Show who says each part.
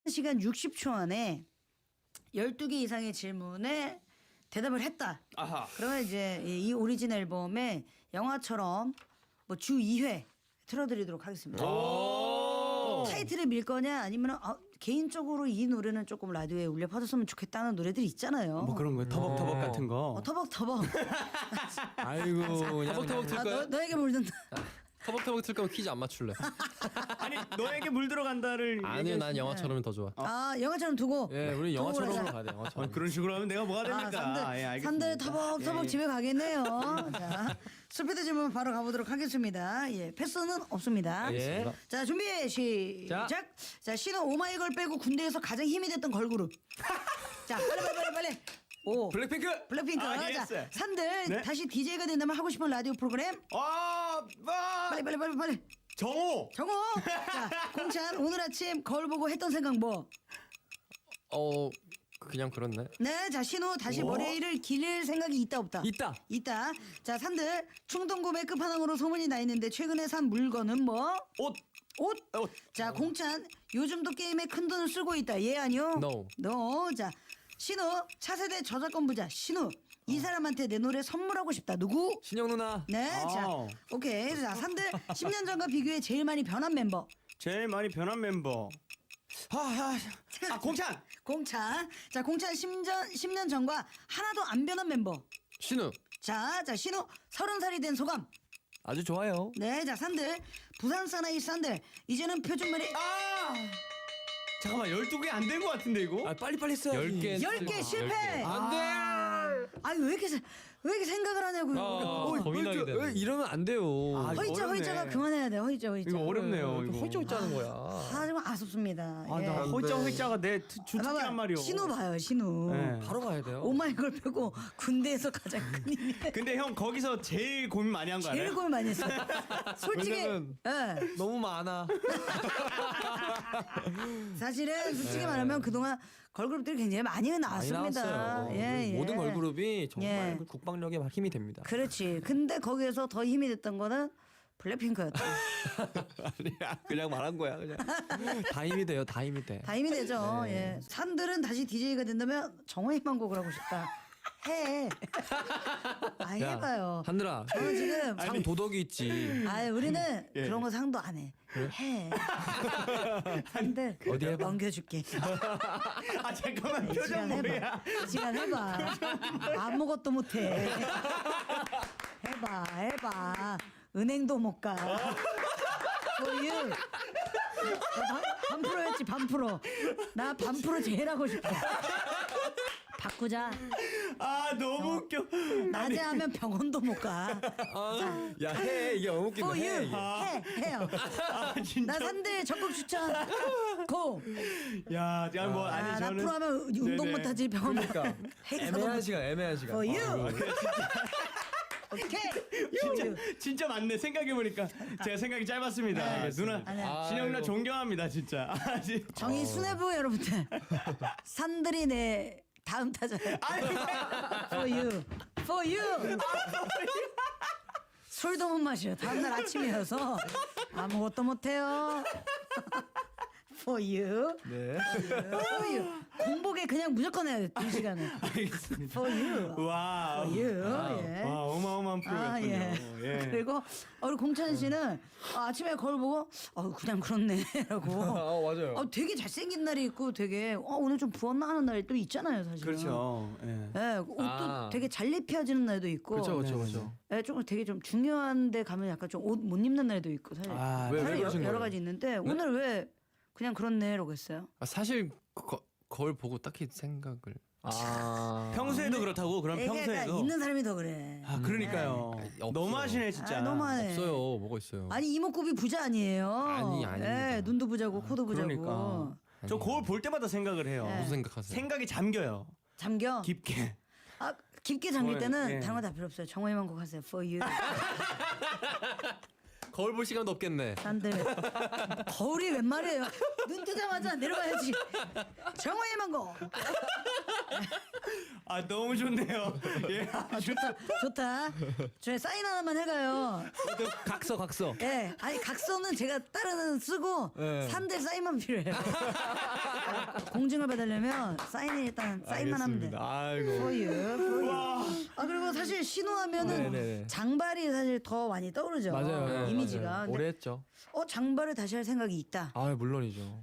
Speaker 1: 1시간 60초 안에 12개 이상의 질문에 대답을 했다.
Speaker 2: 아하.
Speaker 1: 그러면 이제 이 오리진 앨범에 영화처럼 뭐 주 2회 틀어드리도록 하겠습니다. 타이틀을 밀 거냐 아니면 개인적으로 이 노래는 조금 라디오에 울려 퍼졌으면 좋겠다는 노래들이 있잖아요.
Speaker 2: 뭐 그런 거 터벅터벅 같은 거.
Speaker 1: 터벅터벅.
Speaker 3: 아이고 그냥
Speaker 4: 터벅터벅 틀까요?
Speaker 1: 너에게 물든다.
Speaker 4: 터벅터벅 틀 거면 퀴즈 안 맞출래.
Speaker 2: 아니 너에게 물 들어간다를.
Speaker 4: 아니요, 난 영화처럼이 더 좋아.
Speaker 1: 영화처럼 두고.
Speaker 4: 예, 우리
Speaker 1: 두고
Speaker 4: 영화처럼으로
Speaker 1: 가자.
Speaker 4: 가야 돼. 영화처럼.
Speaker 2: 그런 식으로 하면 내가 뭐가 됩니까? 예, 알겠습니다.
Speaker 1: 산들 터벅터벅
Speaker 2: 예.
Speaker 1: 집에 가겠네요. 자, 스피드 질문 바로 가보도록 하겠습니다. 예, 패스는 없습니다.
Speaker 4: 예.
Speaker 1: 자, 준비 시작. 자, 신은 오마이걸 빼고 군대에서 가장 힘이 됐던 걸그룹. 자, 빨리. 오.
Speaker 4: 블랙핑크.
Speaker 1: 블랙핑크.
Speaker 2: 아,
Speaker 1: 자,
Speaker 2: 예스.
Speaker 1: 산들
Speaker 2: 네?
Speaker 1: 다시 DJ가 된다면 하고 싶은 라디오 프로그램. 빨리.
Speaker 2: 정호.
Speaker 1: 정호. 자, 공찬 오늘 아침 거울 보고 했던 생각 뭐?
Speaker 4: 그냥 그렇네.
Speaker 1: 네, 자 신호 다시 머리를 기를 생각이 있다 없다?
Speaker 4: 있다.
Speaker 1: 자 산들 충동 구매 끝판왕으로 소문이 나 있는데 최근에 산 물건은 뭐?
Speaker 2: 옷.
Speaker 1: 자 공찬 요즘도 게임에 큰 돈을 쓰고 있다. 예 아니요?
Speaker 4: No.
Speaker 1: 자 신호 차세대 저작권 부자 신호 이 사람한테 내 노래 선물하고 싶다. 누구?
Speaker 4: 신영 누나.
Speaker 1: 네, 자 오케이. 자 산들 10년 전과 비교해 제일 많이 변한 멤버.
Speaker 2: 제일 많이 변한 멤버. 공찬.
Speaker 1: 공찬. 자 공찬 10년 전과 하나도 안 변한 멤버.
Speaker 4: 신우.
Speaker 1: 자 신호 30살이 된 소감.
Speaker 3: 아주 좋아요.
Speaker 1: 네, 자 산들 부산 사나이 산들 이제는 표준말이
Speaker 2: 잠깐만 12개 안 된 것 같은데 이거?
Speaker 3: 빨리 써야지.
Speaker 1: 10개 실패.
Speaker 4: 안 돼.
Speaker 1: 아니 왜 이렇게 생각을 하냐고요.
Speaker 4: 고민하게 되네.
Speaker 3: 왜 이러면 안 돼요.
Speaker 1: 허이자가 그만해야 돼. 허이자.
Speaker 2: 이거 어렵네요. 이거.
Speaker 4: 홀쩍 짜는 거야.
Speaker 1: 정말 아쉽습니다. 예.
Speaker 2: 나 허이자가 내 주특기란 말이오.
Speaker 1: 신호 봐요, 신호.
Speaker 2: 네.
Speaker 4: 바로 가야 돼요.
Speaker 1: 오마이걸 빼고 군대에서 가장 큰 힘이.
Speaker 2: 근데 형 거기서 제일 고민 많이 한 거 알아요?
Speaker 1: 제일 고민 많이 했어. 솔직히.
Speaker 3: 왜냐면
Speaker 1: 예.
Speaker 3: 너무 많아.
Speaker 1: 사실은 솔직히 말하면 그동안 걸그룹들이 굉장히 많이
Speaker 3: 많이
Speaker 1: 나왔습니다.
Speaker 3: 나왔어요.
Speaker 1: 예.
Speaker 3: 모든 걸그룹이 정말
Speaker 1: 예.
Speaker 3: 그 국방력에 힘이 됩니다.
Speaker 1: 그렇지. 근데 거기에서 더 힘이 됐던 거는 블랙핑크였다.
Speaker 3: 아니야, 그냥 말한 거야. 그냥 다 힘이 돼요. 다 힘이 돼.
Speaker 1: 다 힘이 되죠. 예. 산들은 다시 DJ가 된다면 정호의 만곡을 하고 싶다. 해. 해봐요.
Speaker 3: 하늘아.
Speaker 1: 저는 지금
Speaker 3: 상 도덕이 있지.
Speaker 1: 우리는
Speaker 2: 예.
Speaker 1: 그런 거 상도 안 해. 해. 산들
Speaker 3: 어디 해봐.
Speaker 1: 넘겨줄게.
Speaker 2: 잠깐만 표정
Speaker 1: 시간
Speaker 2: 뭐야?
Speaker 1: 해봐. 시간 해봐. 아무것도 못해. 해봐. 은행도 못 가. 소유. 반프로였지 반프로. 나 반프로 제일 하고 싶어. 바꾸자.
Speaker 2: 너무 웃겨.
Speaker 1: 낮에 하면 병원도 못 가.
Speaker 3: 야, 해. 이게 너무 웃긴 거
Speaker 1: For
Speaker 3: 해.
Speaker 1: you.
Speaker 3: 이게.
Speaker 1: 해요.
Speaker 2: 진짜.
Speaker 1: 나 산들 적극 추천. 고.
Speaker 2: 야, 뭐
Speaker 1: 나
Speaker 2: 저는
Speaker 1: 프로 하면 운동
Speaker 2: 네네.
Speaker 1: 못하지 병원 못 가.
Speaker 3: 애매한 시간.
Speaker 1: For you. 오케이.
Speaker 2: 진짜 맞네. 생각해 보니까 제가 생각이 짧았습니다. 누나
Speaker 1: 아니야.
Speaker 2: 신영 누나 존경합니다, 진짜.
Speaker 1: 정의 수뇌부 여러분들. 산들이 내 다음 타자예요. For you. For you. 술도 못 마셔. 다음날 아침이어서 아무것도 못해요. For you.
Speaker 3: 네.
Speaker 1: For you. 공복에 그냥 무조건 해야 돼. 2시간은.
Speaker 2: 알겠습니다.
Speaker 1: For you.
Speaker 2: 와.
Speaker 1: For you. 예.
Speaker 2: 와, 어마어마한 프로였군요. 예.
Speaker 1: 그리고 우리 공찬 씨는 아침에 거울 보고 그냥 그렇네라고.
Speaker 3: 맞아요.
Speaker 1: 되게 잘생긴 날이 있고 되게 오늘 좀 부었나 하는 날이 또 있잖아요, 사실.
Speaker 2: 그렇죠. 예.
Speaker 1: 예, 옷도 되게 잘 입혀지는 날도 있고.
Speaker 3: 그렇죠.
Speaker 1: 예, 조금 되게 좀 중요한데 가면 약간 좀 옷 못 입는 날도 있고 사실.
Speaker 3: 왜
Speaker 1: 사실
Speaker 3: 그러신
Speaker 1: 여러
Speaker 3: 거예요?
Speaker 1: 가지 있는데 오늘 왜 그냥 그렇네라고 했어요?
Speaker 4: 사실 거울 보고 딱히 생각을.
Speaker 2: 평소에도 그렇다고 그럼
Speaker 1: 그러니까
Speaker 2: 평소에도.
Speaker 1: 있는 사람이 더 그래.
Speaker 2: 그러니까요.
Speaker 4: 없어요.
Speaker 2: 너무하시네 진짜.
Speaker 1: 너무하네.
Speaker 4: 없어요. 뭐가 있어요.
Speaker 1: 아니 이목구비 부자 아니에요.
Speaker 4: 아닙니다.
Speaker 1: 예, 눈도 부자고 코도 부자고.
Speaker 2: 그러니까. 저 거울 볼 때마다 생각을 해요.
Speaker 1: 네.
Speaker 4: 무슨 생각하세요?
Speaker 2: 생각이 잠겨요.
Speaker 1: 잠겨.
Speaker 2: 깊게.
Speaker 1: 깊게 잠길 때는
Speaker 2: 예.
Speaker 1: 다른 거 다 필요 없어요. 정호희만 곡 하세요. For you.
Speaker 4: 거울 볼 시간도 없겠네.
Speaker 1: 산들 거울이 웬 말이에요. 눈 뜨자마자 내려가야지. 정화의 망고.
Speaker 2: 아 너무 좋네요. 예.
Speaker 1: 좋다. 저희 사인 하나만 해가요.
Speaker 3: 각서.
Speaker 1: 예, 아니 각서는 제가 다른 쓰고
Speaker 3: 네.
Speaker 1: 산들 사인만 필요해요. 공증을 받으려면 사인이 일단 사인만 하면 돼.
Speaker 3: 아이고.
Speaker 1: For you, for you. 아 그리고 사실 신호하면은
Speaker 3: 네네네.
Speaker 1: 장발이 사실 더 많이 떠오르죠.
Speaker 3: 맞아요.
Speaker 1: 이미지가.
Speaker 3: 맞아요.
Speaker 1: 근데
Speaker 3: 오래 했죠.
Speaker 1: 장발을 다시 할 생각이 있다.
Speaker 3: 아 물론이죠.